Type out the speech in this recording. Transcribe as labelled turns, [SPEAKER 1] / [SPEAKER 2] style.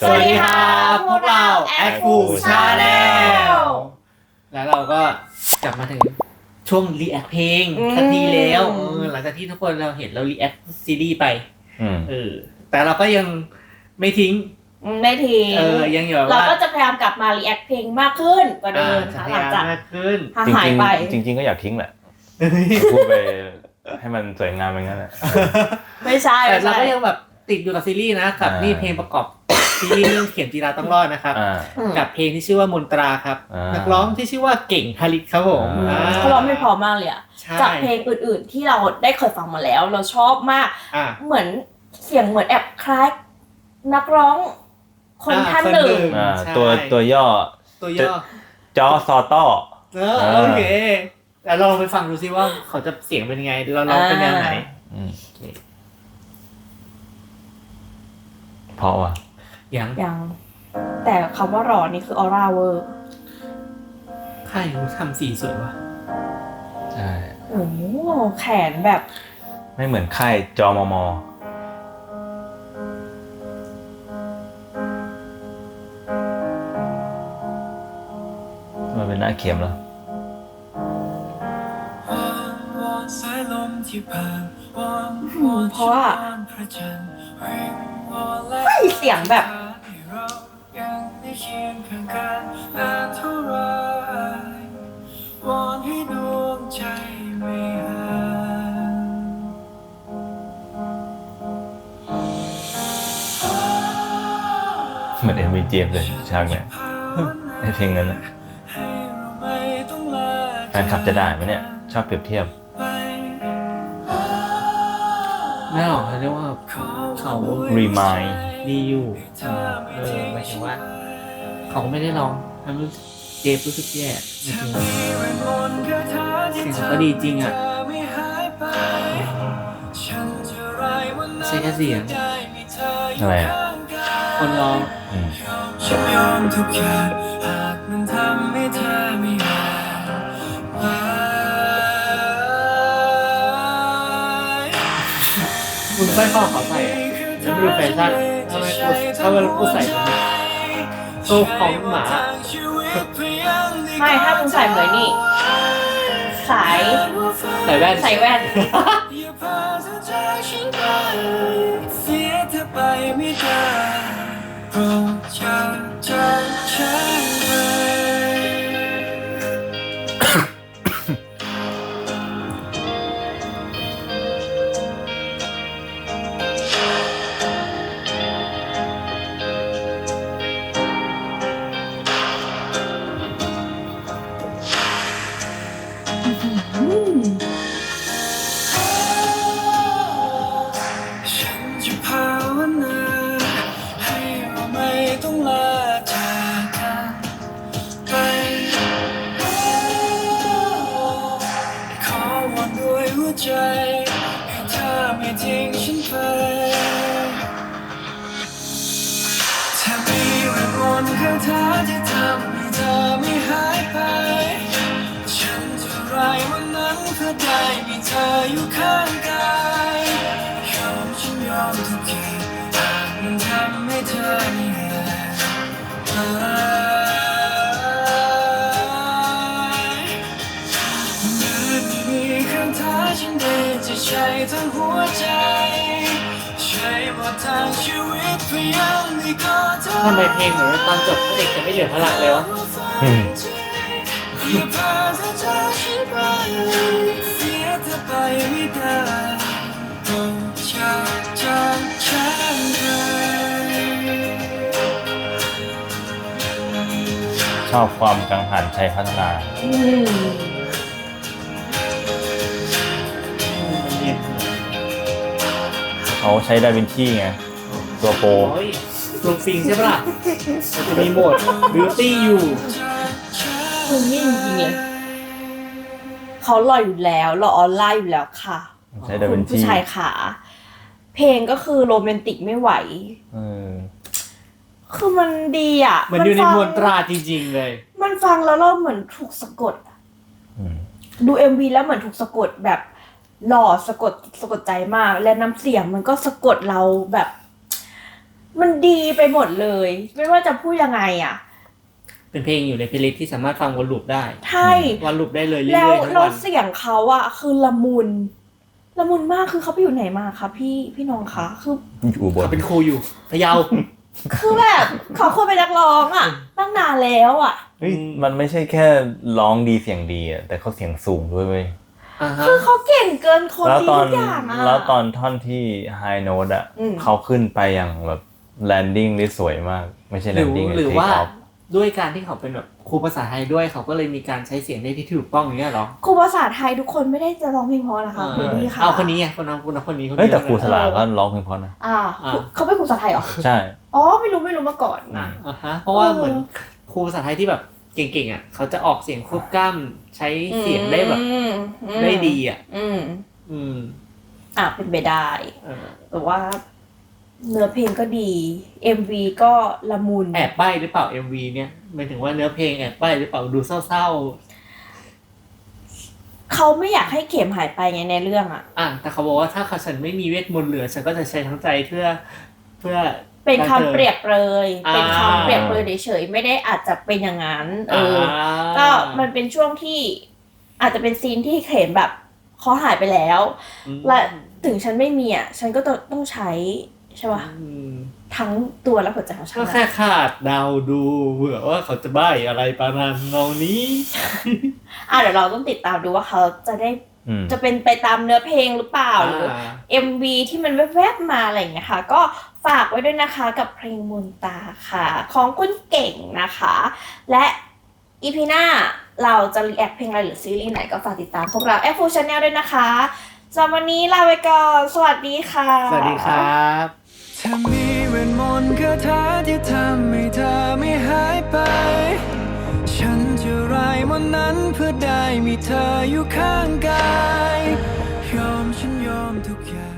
[SPEAKER 1] สวัสดีครับพวกเรา Acfu Channel แล้วเราก็กลับมาถึงช่วง react เพลงสักทีแล้วหลังจากที่ทุกคนเราเห็นเรา react ซีรีส์ไปแต่เราก็ยังไม่ทิ้งยังอยู่
[SPEAKER 2] เราก็จะพยายามกลับมา react เพลงมากขึ้นกว่าเดิมค่ะหลังจากหายไป
[SPEAKER 3] จริงๆก็อยากทิ้งแหละพูดไปให้มันสวยงามอย่างนั้นแหละ
[SPEAKER 2] ไม่ใช่
[SPEAKER 1] แต่เราก็ยังแบบติดอยู่กับซีรีส์นะกับนี่เพลงประกอบซีรีส์เรื่องเข็มจีราต้องรอดนะครับกับเพลงที่ชื่อว่ามนตราครับนักร้องที่ชื่อว่าเก่งฮาริสครับผม
[SPEAKER 2] เขาร้องไม่พอมากเลยอะจากเพลงอื่นๆที่เราได้เคยฟังมาแล้วเราชอบมากเหมือนเสียงเหมือนแอบคล้ายนักร้องคนท่านหนึ่ง
[SPEAKER 3] ตัวย่อจอซอต้อ
[SPEAKER 1] โอเคแล้วเราลองไปฟังดูซิว่าเขาจะเสียงเป็นยังไงเราร้องเป็นแนวไหน
[SPEAKER 3] เพราะว่า
[SPEAKER 2] ยังแต่คำว่ารอนี่คือออร่าเวอร์
[SPEAKER 1] ใครเขาทำสีสวยวะ
[SPEAKER 3] ใช่
[SPEAKER 2] โอ้แขนแบบ
[SPEAKER 3] ไม่เหมือนค่ายจอมมมันเป็นหน้าเข็มแล้ว
[SPEAKER 2] เพราะว่าเสียงแบบ
[SPEAKER 3] เหมือนMVเจมส์เลยฉากเนี่ยในเพลงนั้นนะแฟนคลับจะได้ไหมเนี่ยชอบเปรียบเทียบ
[SPEAKER 1] ไม่หรอกเขาเรียกว่าเขา
[SPEAKER 3] remind
[SPEAKER 1] ดีอยู่หมายถึงว่าเขาไม่ได้ร้องมันรู้เจฟรู้สึกแย่จริงเสียงเขาก็ดีจริงอ่ะใช่แค่เสียง
[SPEAKER 3] อะไรอ่ะ
[SPEAKER 1] คนร้อง
[SPEAKER 4] ฉันยอมทุกอย่างหากมันทำให้เธอไม่หาย
[SPEAKER 1] คุณใส่ข้อเขาใส่ฉันดูแฟชั่นทำไมกูใส่โซ่ของหมา
[SPEAKER 2] ไม่ถ้ามึงใส่เหมือนนี่ใส่
[SPEAKER 1] แว่น
[SPEAKER 2] เ
[SPEAKER 4] สียเธอไปไม่ได้โปรดอย่าจำฉันใจให้เธอไม่ทิ้งฉันไปถ้ามีเวทมนต์คาถาที่ทำให้เธอไม่หายไปฉันจะไรวันนั้นเพื่อได้มีเธออยู่ข้างกายฉันยอมทุกอย่างหากมันทำให้เธอไม่หายมีคำท้าฉันได้จะใช้ทั้งหัวใจใช้บททางชีวิตพยายามให้ก็เธอ
[SPEAKER 1] ทำไมเพลงเหมือนตอนจบเด็กจะไม่เหลือพลังเลยวะ
[SPEAKER 4] อย่าพาเธอจากฉันไปเสียเธอไปไม่ได้โปรดอย่าจำฉัน
[SPEAKER 3] ชอบความกังหันชัยพัฒนาเขาใช้ดาวินชีไงตัวโปร
[SPEAKER 1] ลงฟิงใช่ปะล่ะมันจะมีโหมดบิวตี้อยู่
[SPEAKER 2] คุณนี่จริงๆเลยเขาหล่ออยู่แล้วหล่อออนไลน์อยู่แล้วค่ะ
[SPEAKER 3] ใช้ดาวินชี
[SPEAKER 2] ผู้ชายขาเพลงก็คือโรแมนติกไม่ไหวคือมันดีอ่ะ
[SPEAKER 1] มันอยู่ในมวลตราจริงๆเลย
[SPEAKER 2] มันฟังแล้วเราเหมือนถูกสะกดดู MV แล้วเหมือนถูกสะกดแบบหล่อสะกดใจมากและน้ำเสียงมันก็สะกดเราแบบมันดีไปหมดเลย ไม่ว่าจะพูดยังไงอ่ะ
[SPEAKER 1] เป็นเพลงอยู่ในเพลย์ลิสต์ที่สามารถฟังวนลูปได้
[SPEAKER 2] ใช่
[SPEAKER 1] วนลูปได้เลยเรื่
[SPEAKER 2] แล้ว
[SPEAKER 1] อยๆทั้ง
[SPEAKER 2] เรา
[SPEAKER 1] วัน
[SPEAKER 2] เสียงเขาอะคือละมุนมากคือเขาไปอยู่ไหนมาคะพี่น้องคะคือ
[SPEAKER 3] อยู่บน
[SPEAKER 1] เขาเป็นครูอยู่พะเยา
[SPEAKER 2] คือแบบเขาควรเป็นนักร้องอะตั้งนานแล้วอะ
[SPEAKER 3] เฮ้ยมันไม่ใช่แค่ร้องดีเสียงดีอ่ะแต่เขาเสียงสูงด้วยเว้ย
[SPEAKER 1] อ่าฮะ
[SPEAKER 2] คือเขาเก่งเกินคน
[SPEAKER 3] แล้ว
[SPEAKER 2] ดี
[SPEAKER 3] ตอน
[SPEAKER 2] ทุกอย่างอะ
[SPEAKER 3] แล้วตอนท่อนที่ high note อ่ะ
[SPEAKER 2] อืม
[SPEAKER 3] เขาขึ้นไปอย่างแบบ landing ได้สวยมาก ไม่ใช่ landing
[SPEAKER 1] หรือ
[SPEAKER 3] take
[SPEAKER 1] ว่า
[SPEAKER 3] off
[SPEAKER 1] ด้วยการที่เขาเป็นแบบครูภาษาไทยด้วยเขาก็เลยมีการใช้เสียงได้ที่ถูกต้องอย่างเงี้ยเหรอ
[SPEAKER 2] ครูภาษาไทยทุกคนไม่ได้จะร้องเพลงเพราะนะคะคุณพี่ค่ะ
[SPEAKER 1] เอาคนนี้ไงคนนั้นคนนี้
[SPEAKER 3] เฮ้ยแต่ครูสลาก็ร้องเพลงเพราะนะ
[SPEAKER 2] เขาเป็นครูภาษาไทยเหรอ
[SPEAKER 3] ใช่
[SPEAKER 2] อ๋อไม่รู้มาก่อน
[SPEAKER 1] อ่าฮะเพราะว่าเหมือนครูภาษาไทยที่แบบเก่งๆอ่ะเขาจะออกเสียงควบกล้ำใช้เสียงได้แบบได้ดีอ่ะ
[SPEAKER 2] เป็นไปได้
[SPEAKER 1] เออ
[SPEAKER 2] แต่ว่าเนื้อเพลงก็ดี MV ก็ละมุน
[SPEAKER 1] แอบใบ้หรือเปล่า MV เนี่ยหมายถึงว่าเนื้อเพลงแอบใบ้หรือเปล่าดูเศร้า
[SPEAKER 2] เขาไม่อยากให้เข็มหายไปไงในเรื่องอ่ะ
[SPEAKER 1] ๆแต่เขาบอกว่าถ้าฉันไม่มีเวทมนต์เหลือฉันก็จะใช้ทั้งใจเพื่อ
[SPEAKER 2] เป็นคำเปรียบเลย
[SPEAKER 1] อ่า
[SPEAKER 2] เป็นคำเปรียบเลยเฉยๆไม่ได้อาจจะเป็นอย่างนั้นก็มันเป็นช่วงที่อาจจะเป็นซีนที่เข็มแบบเขาหายไปแล้ว และถึงฉันไม่มีอ่ะฉันก็ต้องใช้ใช่ป่ะทั้งตัวและหัวใจของฉัน
[SPEAKER 1] ก็แค่ขาดเดาดูเผื่อว่าเขาจะใบ้อะไรประมาณนองนี้
[SPEAKER 2] เดี๋ยวเราต้องติดตามดูว่าเขาจะได้ จะเป็นไปตามเนื้อเพลงหรือเปล่าหรือ MV ที่มันแวบๆมาอะไรอย่างเงี้ยค่ะก็ฝากไว้ด้วยนะคะกับเพลงมนตาค่ะของคุณเก่งนะคะและอีพีหน้าเราจะรีแอคเพลงอะไรหรือซีรีส์ไหนก็ฝากติดตามพวกเรา F4 Channel ด้วยนะคะสำหรับวันนี้ลาไปก่อนสวัสดีค่ะ
[SPEAKER 1] สวัสดีครับ
[SPEAKER 4] ถ้ามีเวทมนต์คาถาที่ทำให้เธอไม่หายไป ฉันจะรายวันนั้นเพื่อได้มีเธออยู่ข้างกาย ฉันยอมทุกอย่าง